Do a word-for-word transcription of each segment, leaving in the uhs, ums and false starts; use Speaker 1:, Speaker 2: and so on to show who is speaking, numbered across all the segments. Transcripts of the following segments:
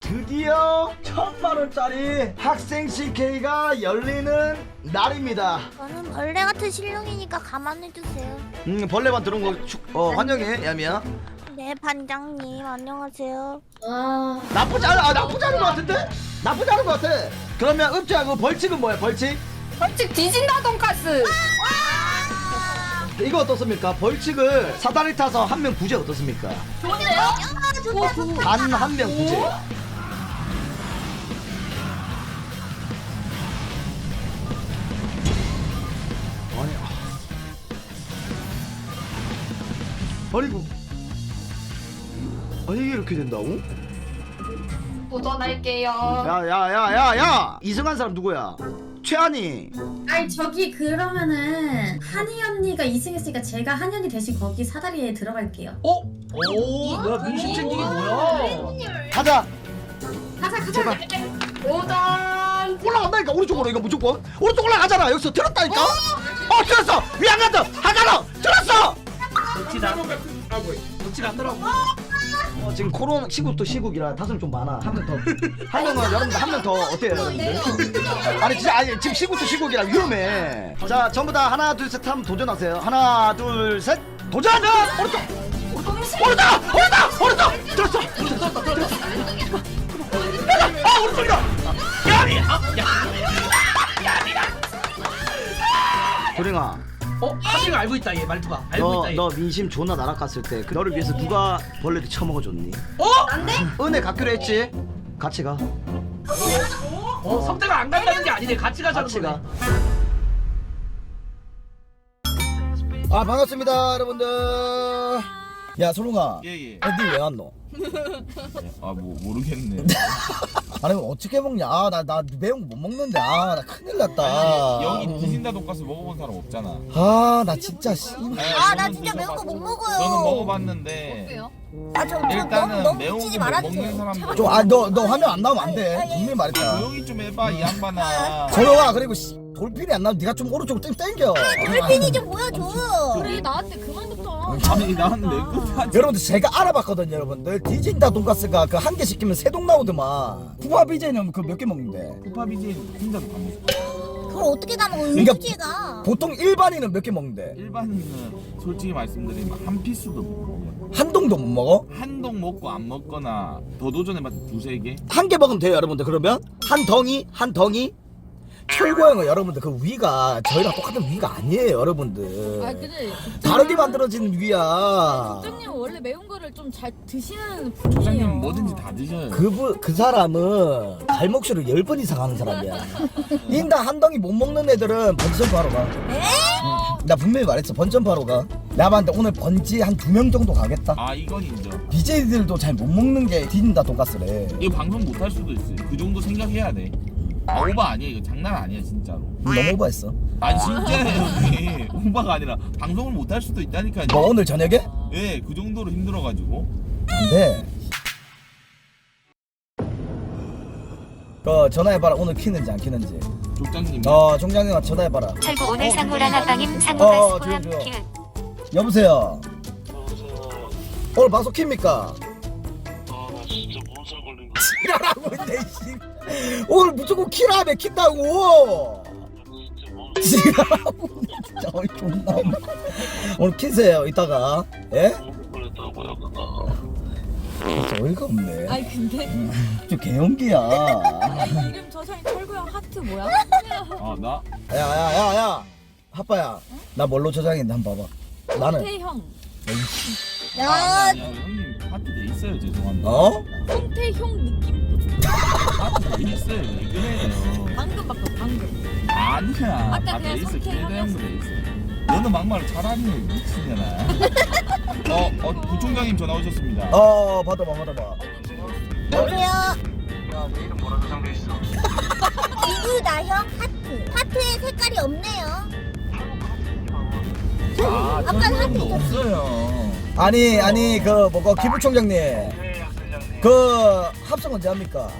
Speaker 1: 드디어 천만 원짜리 학생 씨케이가 열리는 날입니다.
Speaker 2: 저는 벌레 같은 실력이니까 가만해주세요.
Speaker 1: 음 벌레만 들어온 거 축, 어, 환영해 야미야.
Speaker 2: 네, 반장님 안녕하세요.
Speaker 3: 와.
Speaker 1: 나쁘지 않아. 아, 나쁘지 않은 것 같은데? 나쁘지 않은 것 같아. 그러면 읍지하고 벌칙은 뭐야 벌칙?
Speaker 3: 벌칙 뒤진다 돈까스.
Speaker 1: 이거 어떻습니까? 벌칙을 사다리 타서 한 명 구제 어떻습니까?
Speaker 3: 좋은데요?
Speaker 2: 좋다, 좋다.
Speaker 1: 단 한 명 구제. 아니, 아니고, 아니 이게 이렇게 된다고?
Speaker 3: 도전할게요.
Speaker 1: 야야야야야! 이승한 사람 누구야? 최한이.
Speaker 4: 아니 저기 그러면은 한이 언니가 이승했으니까 제가 한이 언니 대신 거기 사다리에 들어갈게요.
Speaker 5: 어? 오, 뭐야 민심 챙기기 뭐야?
Speaker 1: 가자.
Speaker 4: 가자 가자.
Speaker 1: 제발.
Speaker 3: 도전.
Speaker 1: 올라간다니까 오른쪽으로 이거 무조건. 오른쪽 올라가잖아. 여기서 들었다니까. 어 들었어. 위 안 갔다. 하가로 들었어.
Speaker 5: 놓치지 않 놓치지 않더라고.
Speaker 1: 어, 지금 코로나 시국도 시국이라 다툼 좀 많아. 한 명 더. 한 명은 여러분들 한 명 더 어때요? 여러분들? 아니 진짜 아니 지금 시국도 시국이라 위험해. 자 전부 다 하나 둘 셋 하면 도전하세요. 하나 둘 셋 도전. 오른쪽. 오른쪽. 오른쪽. 오른쪽. 오른쪽. 들었어. 들었어. 들었어. 아 오른쪽이다. 야미. 아 야미다. 도령아.
Speaker 5: 어? 하필 알고 있다 얘 말투가. 알고
Speaker 1: 너,
Speaker 5: 있다 얘.
Speaker 1: 너 민심 존나 날아갔을 때 그 너를 위해서 누가 벌레도 처먹어줬니?
Speaker 5: 어?
Speaker 1: 은혜 갖기로 했지? 같이 가.
Speaker 5: 어? 성대가 안 간다는 게 아니네. 같이 가자는
Speaker 1: 같이 가.
Speaker 5: 거네.
Speaker 1: 아 반갑습니다 여러분들. 야 소룡아.
Speaker 6: 예예.
Speaker 1: 애들 왜 왔노?
Speaker 6: 아 뭐 모르겠네.
Speaker 1: 아니 이거 어떻게 먹냐? 아 나 나 매운 거 못 먹는데 아 나 큰일 났다.
Speaker 6: 아니, 여기 디진다 돈가스 먹어본 사람 없잖아.
Speaker 1: 아 나 진짜 씨.
Speaker 2: 아, 나 진짜 매운 거 못 먹어요.
Speaker 6: 저는 먹어봤는데
Speaker 2: 아, 저, 저 너무
Speaker 6: 일단은
Speaker 2: 너무
Speaker 6: 매운
Speaker 2: 붙이지
Speaker 6: 거 못
Speaker 2: 말아주세요.
Speaker 6: 먹는 사람들
Speaker 1: 좀 아 너 너 화면 안 나오면 안 돼. 분명히 말했다.
Speaker 6: 조용히 좀 해봐 이 양반아.
Speaker 1: 소룡아 그리고 씨, 돌핀이 안 나오면 네가 좀 오른쪽으로 땡 땡겨.
Speaker 2: 돌핀이 좀 보여줘.
Speaker 3: 우리 나한테 그만 뒀잖아.
Speaker 6: 아니 나는 내 끝까지.
Speaker 1: 여러분들 제가 알아봤거든요 여러분들. 디진다 돈가스가 그 한 개 시키면 세 동 나오더만. 후아 비제는 그 몇 개 먹는데?
Speaker 6: 쿠파비지 혼자도 다 먹어.
Speaker 2: 그걸 어떻게 다 먹어?
Speaker 1: 그러니까
Speaker 2: 은수지가.
Speaker 1: 보통 일반인은 몇 개 먹는데?
Speaker 6: 일반인은 솔직히 말씀드리면 한 피스도 못 먹어요.
Speaker 1: 한 동도 못 먹어?
Speaker 6: 한 동 먹고 안 먹거나 더 도전해봤자 두세 개.
Speaker 1: 한 개 먹으면 돼요 여러분들. 그러면 한 덩이 한 덩이 철고형은 여러분들 그 위가 저희랑 똑같은 위가 아니에요 여러분들.
Speaker 3: 아 근데
Speaker 1: 다르게 만들어진 위야.
Speaker 3: 국장님 원래 매운 거를 좀 잘 드시는
Speaker 6: 조장님
Speaker 3: 분이에요.
Speaker 6: 뭐든지 다 드셔요.
Speaker 1: 그분 그 사람은 갈목쇼를 열 번 이상 하는 사람이야. 인당 한 덩이 못 먹는 애들은 번지점프 하러 가. 응. 나 분명히 말했어 번점프 하러 가. 내가 봤는데 오늘 번지 한 두 명 정도 가겠다.
Speaker 6: 아 이건 인정.
Speaker 1: 비제이들도 잘 못 먹는 게 디진다 돈가스래.
Speaker 6: 이거 방송 못 할 수도 있어요. 그 정도 생각해야 돼. 아 오바 아니야 이거 장난 아니야 진짜로.
Speaker 1: 너무 오버했어.
Speaker 6: 아니 진짜예요 형님. 오바가 아니라 방송을 못 할 수도 있다니까요.
Speaker 1: 뭐 오늘 저녁에?
Speaker 6: 예, 그 정도로 힘들어가지고.
Speaker 1: 안돼. 그 전화해봐라 오늘 키는지 안 키는지.
Speaker 6: 족장님.
Speaker 1: 어 종장님한테 전화해봐라.
Speaker 7: 철구 오늘 상무랑 아빠님
Speaker 1: 어,
Speaker 7: 상무가
Speaker 1: 어,
Speaker 7: 스포함
Speaker 1: 조용, 조용.
Speaker 7: 키읔.
Speaker 1: 여보세요. 오늘 방송 킵니까?
Speaker 8: 아나 진짜 몸살 걸린 거
Speaker 1: 키라고 했네 씨. 오늘 무조건 키라며 킨다고.
Speaker 8: 진짜 몸살
Speaker 1: 키라고 진짜 어이 존나. 오늘 키세요 이따가. 예?
Speaker 8: 걸렸다고요 그거.
Speaker 1: 진짜 어이가 없네.
Speaker 3: 아니 근데
Speaker 1: 저 개연기야.
Speaker 3: 이름 저장이 철구형 하트 뭐야?
Speaker 6: 아 나?
Speaker 1: 야야야야. 하빠야. 나 뭘로 저장했는데 한번 봐봐. 나는.
Speaker 3: 성태형.
Speaker 6: 아,
Speaker 2: 야,
Speaker 6: 아니, 아니, 형님 하트 돼 있어요 죄송한데.
Speaker 1: 어?
Speaker 3: 성태형 느낌.
Speaker 6: 하트 돼 있어요 왜 그래요?
Speaker 3: 방금 바꿔 방금.
Speaker 6: 아니야.
Speaker 3: 아까
Speaker 6: 다 돼
Speaker 3: 그냥
Speaker 6: 있어
Speaker 3: 성태
Speaker 6: 기대형도
Speaker 3: 하면서.
Speaker 6: 돼 있어. 너는 막말 잘하니 미치잖아. 어, 어 부총장님 전화 오셨습니다.
Speaker 1: 어 받아봐 받아봐.
Speaker 2: 여보세요.
Speaker 8: 야내 이름 뭐라고 적혀 있어?
Speaker 2: 이유나형 하트. 하트에 색깔이 없네요.
Speaker 6: 아,
Speaker 2: 아까
Speaker 6: 철구형도
Speaker 2: 하트
Speaker 6: 없어요.
Speaker 1: 아니 아니 그 뭐고 기부총장님
Speaker 8: 네 학생장님.
Speaker 1: 그 합성 언제 합니까?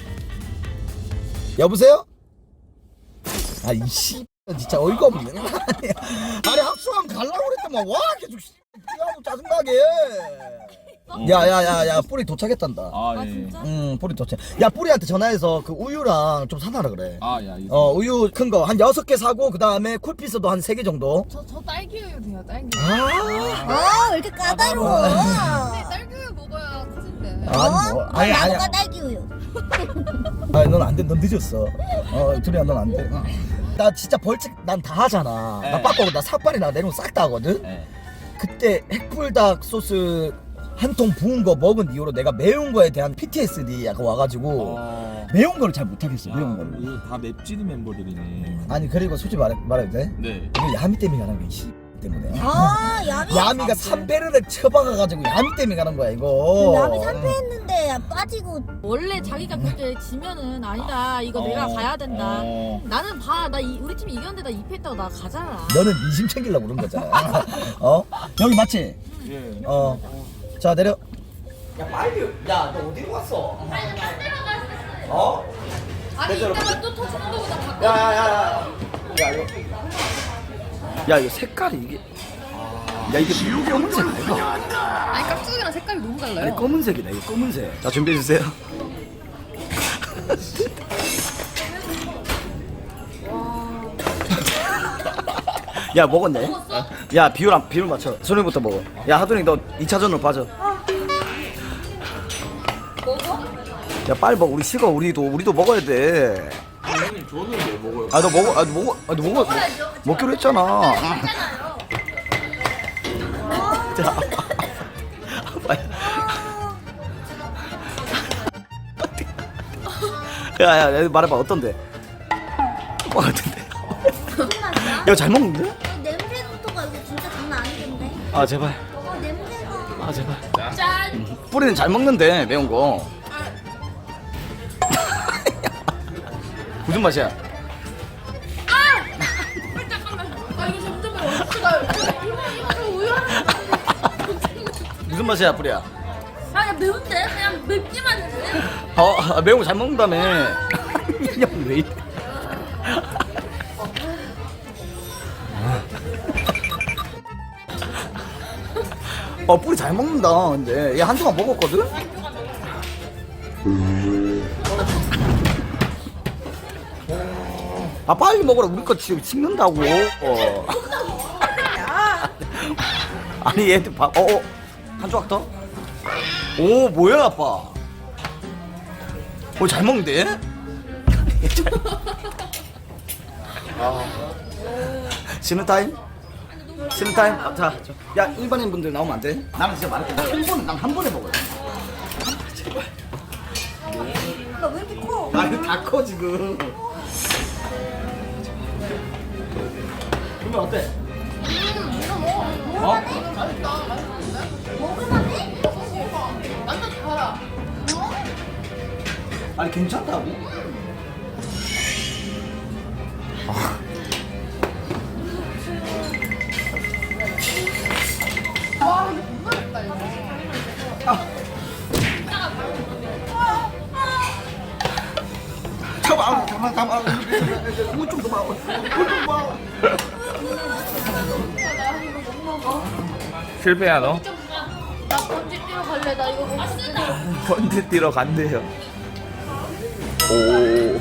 Speaker 1: 여보세요? 아 이씨 진짜 어이가 없네. 아니 합성하면 갈라고 그랬더만 와 계속 씨, 짜증나게. 야야야야 뿌리 도착했단다.
Speaker 6: 아,
Speaker 3: 아
Speaker 6: 예.
Speaker 3: 진짜?
Speaker 1: 응 뿌리 도착. 야 뿌리한테 전화해서 그 우유랑 좀 사놔라 그래.
Speaker 6: 아, 예, 알겠습니다.
Speaker 1: 어 우유 큰 거 한 여섯 개 사고 그 다음에 쿨피스도 한 세 개 정도.
Speaker 3: 저, 저 딸기 우유 돼요 딸기.
Speaker 1: 아.
Speaker 2: 아, 왜 이렇게 까다로워?
Speaker 3: 네, 딸기 우유 먹어야 커진대.
Speaker 1: 아니 뭐
Speaker 2: 어?
Speaker 1: 아니 아니.
Speaker 2: 나무가 딸기 우유.
Speaker 1: 아니 넌 안 돼. 넌 늦었어. 어 둘이야 넌 안 돼. 나 진짜 벌칙 난 다 하잖아.
Speaker 6: 네.
Speaker 1: 나 빠빠고 나 삭발이나 내놓은 싹 다 하거든.
Speaker 6: 예.
Speaker 1: 그때 핵불닭 소스 한 통 부은 거 먹은 이후로 내가 매운 거에 대한 피티에스디 약간 와가지고
Speaker 6: 어.
Speaker 1: 매운 거를 잘 못하겠어. 매운
Speaker 6: 아,
Speaker 1: 거를.
Speaker 6: 이거 다 맵찔이 멤버들이네.
Speaker 1: 아니 그리고 솔직히 말해, 말해도 돼?
Speaker 6: 네.
Speaker 1: 이거 야미 때문에 가는 거야. 씨 때문에.
Speaker 2: 아, 야미.
Speaker 1: 야미가 삼 배를 처박아가지고 야미 때문에 가는 거야 이거.
Speaker 2: 야미 삼 패 했는데 빠지고.
Speaker 3: 원래 자기가 그렇게 지면은 아니다 이거 내가
Speaker 6: 어.
Speaker 3: 가야 된다.
Speaker 6: 어.
Speaker 3: 나는 봐, 나 이, 우리 팀이 이겼는데 나 이 패 했다고 나 가잖아.
Speaker 1: 너는 민심 챙기려고 그런 거잖아. 어? 여기 맞지?
Speaker 6: 예.
Speaker 1: 어. 자 내려. 야 빨리. 야 너 어디로 갔어? 어?
Speaker 3: 아니 이따가 또 터지는 거보다 바꿔.
Speaker 1: 야야야야. 야 이거. 야 이거 색깔이 이게. 야 이게 검은색 아이가?
Speaker 3: 아니 깍두기랑 색깔이 너무 달라요.
Speaker 1: 아니 검은색이다 이거 검은색. 자 준비해 주세요. 야 먹었네. 야 비율 안 비율 맞춰. 손님부터 먹어. 야 하도니 너 이 차전으로 빠져.
Speaker 3: 먹어?
Speaker 1: 야 빨리 먹어. 우리 식어. 우리도 우리도 먹어야 돼.
Speaker 6: 형님 저는 왜 먹어요?
Speaker 1: 아 너 먹어. 아 너 먹어. 아 너 먹어. 먹, 먹기로 했잖아. 자. 야야 야, 말해봐 어떤데? 뭐 어떤데? 야 잘 먹는데?
Speaker 2: 냄새부터가 이거 진짜 장난 아니던데.
Speaker 1: 아 제발.
Speaker 2: 어, 냄새가.
Speaker 1: 아 제발.
Speaker 3: 짠.
Speaker 1: 뿌리는 잘 먹는데 매운 거. 무슨 맛이야?
Speaker 3: 아 이거 점점 어떻게 가요? 이거 이거 저 우유 하나.
Speaker 1: 무슨 맛이야 뿌리야?
Speaker 3: 아 매운데 그냥 맵기만 해.
Speaker 1: 어 아, 매운 거 잘 먹는다며. 야왜 이래? 어 뿌리 잘 먹는다 근데 얘 한동안 먹었거든? 아 빨리 먹어라 우리 거 지금 식는다고. 어. 아니 얘들 봐. 어어 한 조각 더? 오 뭐야 아빠? 오잘 먹는데? 아 쉬는 타임? 쉬는 타임? 아, 자, 저, 야 일반인 분들 나오면 안 돼? 나는 진짜 말할게. 나한 번에 난 한 번에 먹어요. 제발.
Speaker 2: 나왜 이렇게 커?
Speaker 1: 아 이거 다 커 지금. 그러면 어때? 어?
Speaker 2: 먹을만해?
Speaker 3: 완전 달아.
Speaker 1: 아니 괜찮다고?
Speaker 3: 와 이거 못 먹겠다 이거.
Speaker 1: 잠깐만, 잠깐만, 잠깐만. 이거 좀 더 봐. 이거 좀 봐.
Speaker 6: 실패야 너?
Speaker 3: 나 번지 뛰러 갈래. 나 이거 못 쓰다.
Speaker 6: 번지 뛰러 간대요. 오.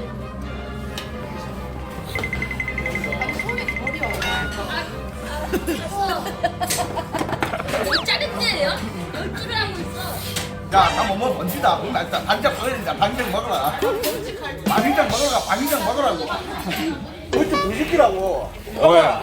Speaker 3: 짜릿해요? 열줄을 하고 있어.
Speaker 1: 야, 나 뭐 번지다. 그럼 일단 반장 먹어야 반장 먹어라. 반장 먹어라. 반장 먹으라고. 그것도 무식이라고.
Speaker 6: 왜?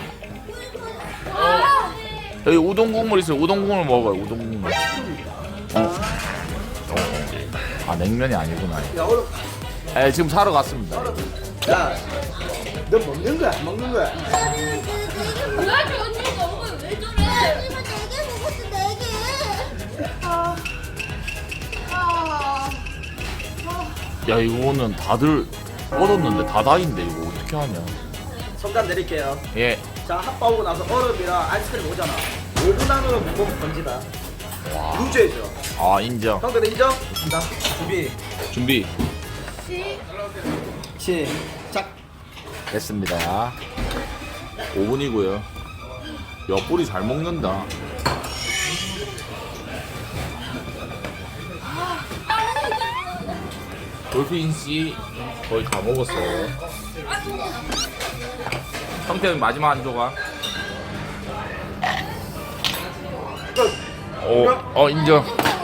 Speaker 6: 여기 우동 국물 있어요. 우동 국물 먹어요. 우동 국물. 어. 어. 아 냉면이 아니구나.
Speaker 1: 야, 오늘
Speaker 6: 예, 지금 사러 갔습니다.
Speaker 1: 야, 너 먹는 거야? 안 먹는 거야?
Speaker 3: 뭐야 저 언니 너무 왜 저래?
Speaker 2: 하지만 네개 먹었어, 네 개.
Speaker 6: 야 이거는 다들 얻었는데 다다인데 이거 어떻게 하냐?
Speaker 1: 성단 내릴게요.
Speaker 6: 예.
Speaker 1: 자, 핫바 오고 나서 얼음이랑 아이스크림 오잖아. 오 분 안으로 먹으면 번지다.
Speaker 6: 와.
Speaker 1: 루즈해져.
Speaker 6: 아 인정.
Speaker 1: 형들 인정? 간다. 준비.
Speaker 6: 준비
Speaker 1: 시작.
Speaker 6: 됐습니다. 오 분이고요. 야 뿌리 잘 먹는다. 돌핀 씨 거의 다 먹었어요. 성태는 마지막 한 조각. 오, 어 인정.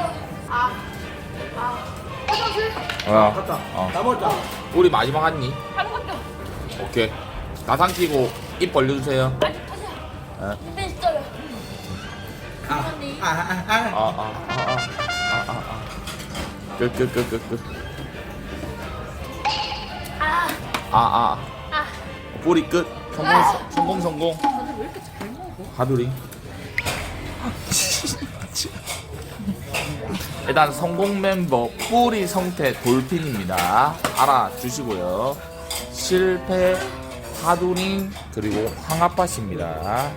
Speaker 6: 어, 어.
Speaker 1: 나 먹었다.
Speaker 6: 우리 마지막 한 입.
Speaker 3: 한번밖에 없어.
Speaker 6: 오케이. 다 삼키고 입 벌려주세요.
Speaker 3: 아니 타자.
Speaker 6: 예.
Speaker 3: 근데 있어요.
Speaker 6: 아, 아, 아, 아, 아, 아, 아. 끝, 끝, 끝, 끝, 끝.
Speaker 3: 아,
Speaker 6: 아, 아.
Speaker 3: 아.
Speaker 6: 뿌리 끝. 성공, 성공, 성공.
Speaker 3: 다들 왜 이렇게 잘 먹어?
Speaker 6: 하두리. 일단 성공 멤버 뿌리 성태 돌핀입니다. 알아주시고요. 실패 하두링 그리고 황아빠씨입니다.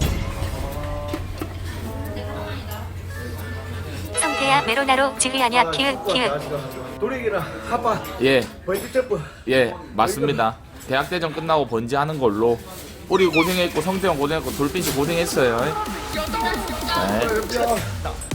Speaker 7: 성태야 메로나로 지휘하냐 키읔 키읔.
Speaker 1: 도리기랑 아빠
Speaker 6: 예,
Speaker 1: 벌칙 점프.
Speaker 6: 예, 맞습니다. 대학대전 끝나고 번지하는 걸로. 우리 고생했고 성태형 고생했고 돌핀씨 고생했어요. 네.